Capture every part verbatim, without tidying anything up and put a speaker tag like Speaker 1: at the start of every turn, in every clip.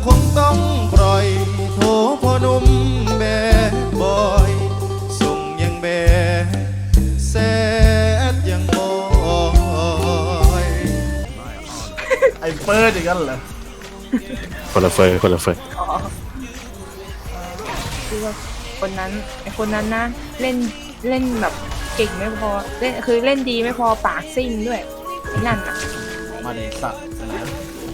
Speaker 1: คงต้องปล่อยโทพ่อหนุ่มแบดบอยส่งยังแบดแซดยังบอย
Speaker 2: ไอ้เฟิร์สอย่างนั้นเหรอ
Speaker 3: คนละเฟอร์คนละเฟอร์
Speaker 4: คือว่าคนนั้นไอคนนั้นนะเล่นเล่นแบบเก่งไม่พอเล่นคือเล่นดีไม่พอปากซิ่งด้วยไอ้นั่นอ่ะ
Speaker 2: มาเดสัตว์นะ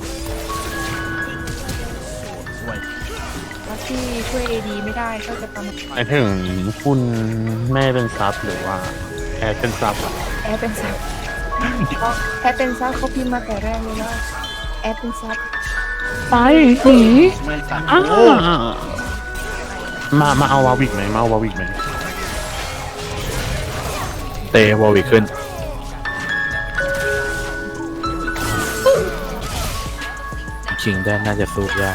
Speaker 2: สวย
Speaker 4: แล้วที่ช่วยเอดีไม่ได้ก็จะประมาณ
Speaker 3: หมายถึงคุณแม่เป็นซับหรือว่าแอร์เป็นซับอะ
Speaker 4: แอร์เป็นซับเพราะแอร์เป็นซับเขาพิมพ์มาแต่แรกเลยว่าแอร์เป็นซับ
Speaker 3: ไปหนี
Speaker 2: ไม่ตัด
Speaker 3: มามาเอาวาวิกไหมมาเอาวาวิกไหมเตะวาวิกขึ้นชิงได้น่าจะสู้ยาก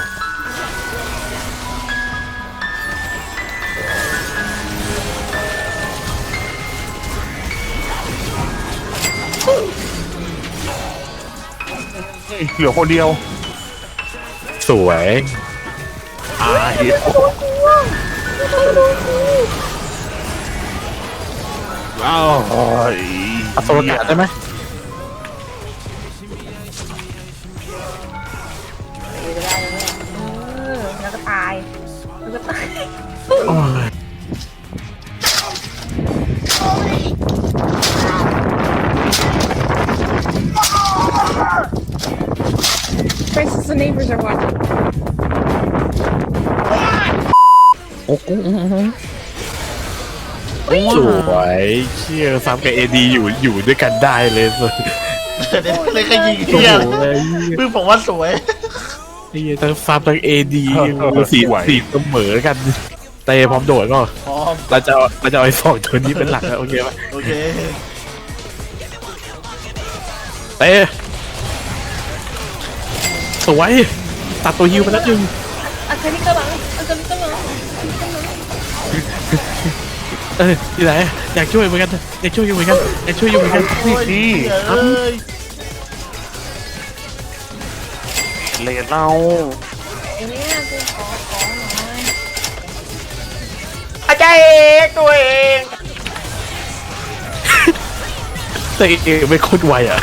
Speaker 3: เหลือคนเดียวสวยอาเหี้ยว้าวอัศวกาศได้ไหม
Speaker 4: เออแล้วก็ตายแล้วก็ตายThe neighbors are watching.
Speaker 3: โอ้โหสวยเชี่ยซับกับเอดีอยู่อยู่ด้วยกันได้เลยสุด
Speaker 2: เลยก็ยิงเที่ยเพิ่งบอกว่าสวย
Speaker 3: นี่ทั้งซับทั้งเอดีสีสีเสมอกันเตะพร้อมโดดก็เราจะเราจะเอาไอ้สองตัวนี้เป็นหลักแล้วโอเคไหม
Speaker 2: โอเค
Speaker 3: เตะสวยตัดตัวฮิวไปแล้วจึง
Speaker 4: อาคาริกะหลังอาคาริกะหลัง
Speaker 3: เออที่ไหนอยากช่วยเหมือนกันอยากช่วยอยู่เหมือนกันอยากช่วยอยู่เหมือนกันนี่เลนเรา
Speaker 4: ไอ้เนี่ยกูขอขอหน่อย
Speaker 2: อาจารย์เองตัวเอง
Speaker 3: แต่เองไม่โคตรไวอ่ะ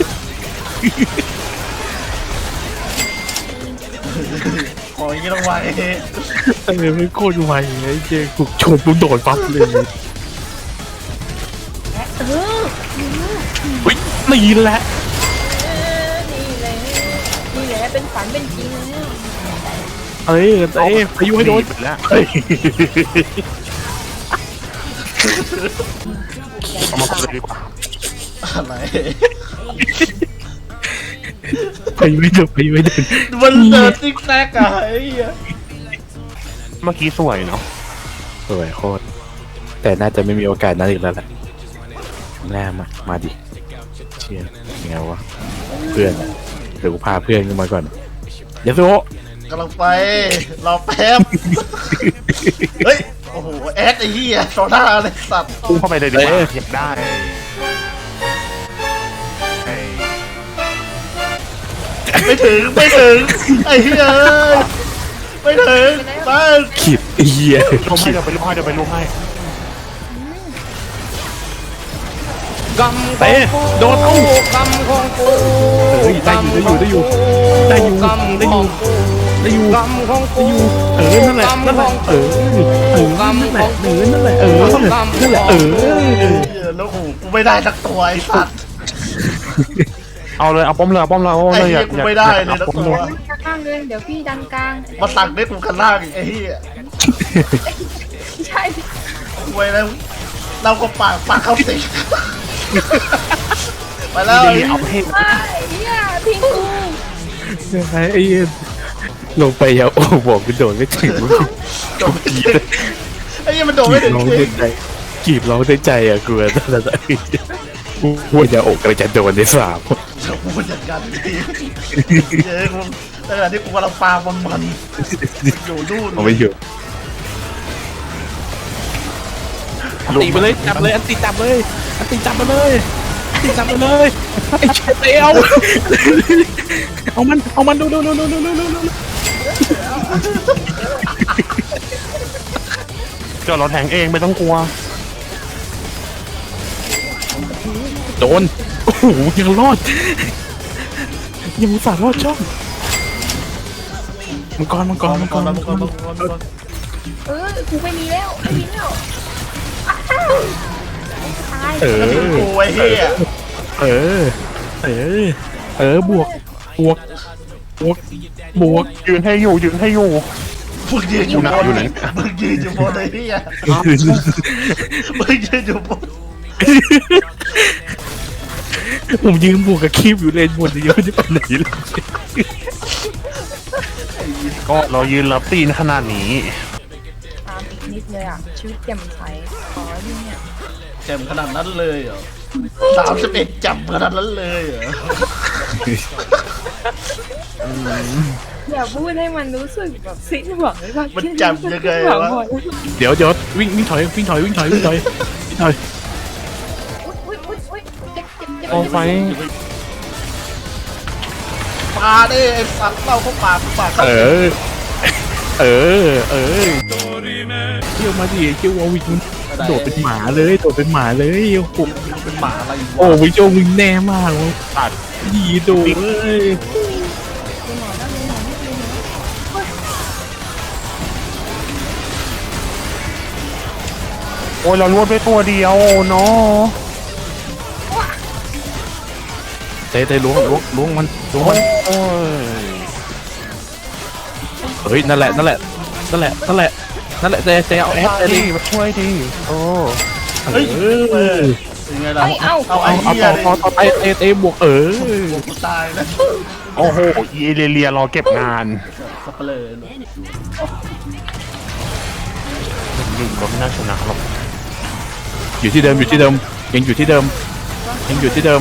Speaker 2: โอ้ยยังต้องไว
Speaker 3: แต่เองไม่โคตรไวไอ้เจ๊กูชนกูโดดปั๊บเลย
Speaker 4: เออ
Speaker 3: วิ่งนี่แหละ
Speaker 4: นี่แหละนี่แหละเป็นฝันเป็นจริงแล้ว
Speaker 3: เอ้ยเอ้ยพายุให้โดนแล้วเฮ้ยเอามาคุยดีกว่า
Speaker 2: อะไร
Speaker 3: ไปไม่เดินไปไม่เดิน
Speaker 2: มันเดินซิกแซกอะไอ้
Speaker 3: เมื่อกี้สวยเนาะสวยโคตรแต่น่าจะไม่มีโอกาสนั้นอีกแล้วแหละแน่มามาดิเชียร์ไงวะเพื่อนเดี๋ยวกูพาเพื่อนขึ้นมาก่อนเดี๋ยวโซ
Speaker 2: กำลังไปรอแป๊บเฮ้ยโอ้โหแอดไอ้เหี้ยโซน่าเลยสัตว์
Speaker 3: พุ่งเข้าไปเลยดิอยากได้
Speaker 2: ไม่ถึงไม่ถึงไอ้เหี้ยไม่ถึงไป
Speaker 3: ขีดเหี้ย
Speaker 2: ลงให้เดี๋ยวไปลงให้เดี๋ยวไปลงให้
Speaker 3: กำเตะโดนเอา
Speaker 2: กำของกู
Speaker 3: ได้อยู่ได้อยู่ได้อยู่ได้อยู่ได้อยู่ได้อยู่
Speaker 2: กำของกู
Speaker 3: เออนั่นแหละนั่นแหละเออเออนั่นแหละเออนั่นแหละเออนั่นแหละเออ
Speaker 2: แล้วหูกูไม่ได้สักตัวไอ้สัตว์
Speaker 3: เอาเลยเอาป้อมเลยเอาป้อมเลยเอาเลยอยาก
Speaker 2: กูไม่ได้เลยนะตัว
Speaker 4: กลางเลยเดี๋ยวพี่ดันกลาง
Speaker 2: มาตักได้กูกันล่างไอ้เหี้ย
Speaker 4: ใช่
Speaker 2: ไว้แล้วเราก็ปากปากเข้าสิไปแล้ว
Speaker 3: เอาให้
Speaker 4: ไอ้เหี้ยทิ้งกู
Speaker 3: ไอ้เหี้ยลงไปอย่าโอ้บอกกูโดนไม่ถึง
Speaker 2: โดนไม่ถึงไอ้เหี้ยมันโดนไม่ถึงจริง
Speaker 3: กีบร้องได้ใจอ่ะกูแต่แต่พูดอย่าอกกระจะโดนในสาม
Speaker 2: จะพูดอย่างกันดิเย้กูแต่ขณะที่กูกำลังปาบอลมันอยู่นู่น
Speaker 3: เอาไปอยู่ตีไปเลยจับเลยอันตีจับเลยอันตีจับมาเลยอันตีจับมาเลยไอ้เชตเอาเอามันเอามันดูดูดูดูดูดูดูเจ้าเราแทงเองไม่ต้องกลัวโดนโอ้โหยังรอดยังอุตส่าห์รอดช่องมังกรมังกรมังกร
Speaker 2: มั
Speaker 3: มั
Speaker 2: ง
Speaker 3: ง
Speaker 2: ก
Speaker 3: ก
Speaker 2: ร
Speaker 3: ร
Speaker 2: มังกรมังกร
Speaker 4: เออกูไม่มีแล้วไม่มีแล้วอ้าวตาย
Speaker 3: เออ
Speaker 2: กูไอ้เหี้ย
Speaker 3: เออเออเออบวกบวกบวกบวกยืนให้อยู่ยืนให้อยู่
Speaker 2: มึงยืนอยู่บน
Speaker 3: อยู่ไหน
Speaker 2: มึงยืนอยู่บนไอ้เหี้ยมึงยืนอยู่บน
Speaker 3: ผมยืนบวกกับคีบอยู่เลนบนเดียวจะไปไหนเลยก็เรายืนรับตีนขนาดนี้
Speaker 4: ตามอีกนิดเลยอ่ะชีวิตแจ่มใสขอที่เนี่ย
Speaker 2: แจ่มขนาดนั้นเลยเหรอสามสิบเอ็ดจับขนาดนั้นเลยเหรอ
Speaker 4: อย่าพูดให้มันรู้สึกแบบสิ้นหวังเลยว่า
Speaker 2: มันจับยังไงวะ
Speaker 3: เดี๋ยวเดี๋ยววิ่งวิ่งถอยวิ่งถอยวิ่งถอยวิ่งถอยวิ่งถอย
Speaker 4: อุ้ยอุ้ยอุ้ยเจ็บเจ็บเจ็บ
Speaker 3: โอ้ไฟ
Speaker 2: ปาดิไอ้สัตว์เล่าเข้าปากเข้าปาก
Speaker 3: เออ เออ เออเกี่ยวมาดิเกี่ยววอวิกมันโดดเป็นหมาเลยโดดเป็นหมาเลยโอ้โห
Speaker 2: เป็นหมาอะไร
Speaker 3: โอ้วิโจวิงแน่มากเลยตัดดีโดดเลย
Speaker 4: คุณหมอนะคุณหมอไม่ดีนะ
Speaker 3: โอ้ยเราลวดไปตัวเดียวเนาะเตะเตะล้วงล้วงล้วงมันล้วงมันโอ้ยเฮ้ยนั่นแหละนั่นแหละนั่นแหละนั่นแหละนั่นแหละเตะเตะเอาแอสเตะดิมาช่วยดิโอ้
Speaker 2: เฮ้ย
Speaker 3: เออ
Speaker 2: ยังไงล่ะ
Speaker 4: เอ้ยเอ้า
Speaker 2: เอา
Speaker 3: เอา
Speaker 2: ไอ้
Speaker 3: เอา
Speaker 2: เหี้ย
Speaker 3: ต่อต่อต่อไปเตะเตะบวกเออ
Speaker 2: กูตายนะ
Speaker 3: โอ้โหอีเอเลียรอเก็บงาน
Speaker 2: สับเปลือ
Speaker 3: หนึ่งก็ไม่น่าชนะหรอกอยู่ที่เดิมอยู่ที่เดิมยังอยู่ที่เดิมยังอยู่ที่เดิม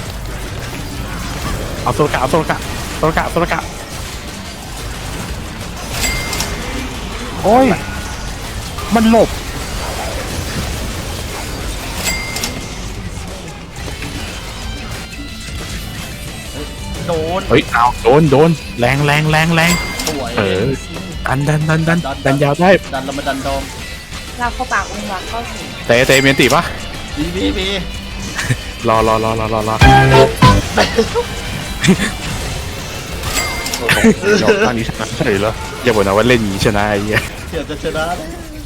Speaker 3: เอาโซลกะเอาโซลกะโซลกะโซลกะโอ้ยมันหลบ
Speaker 2: โดน
Speaker 3: เฮ้ยเอาโดนโดนแรงแรงแรงแรง
Speaker 2: สวย
Speaker 3: เออดันดันดันดันดันยาวได้
Speaker 2: ดันแล้วมาดันดอม
Speaker 4: ลากเข้าปากองค์บากเข้าถึง
Speaker 3: เตะเตะเมียนตีปะ
Speaker 2: บีบีบี
Speaker 3: รอรอรอรอรอรอเดี๋ยวอันนี้ชนะเฉยเหรออย่าบอกนะว่าเล่นอย่างนี้ชนะไอ้เหี้ย
Speaker 2: เดี๋ยวจะชนะเลย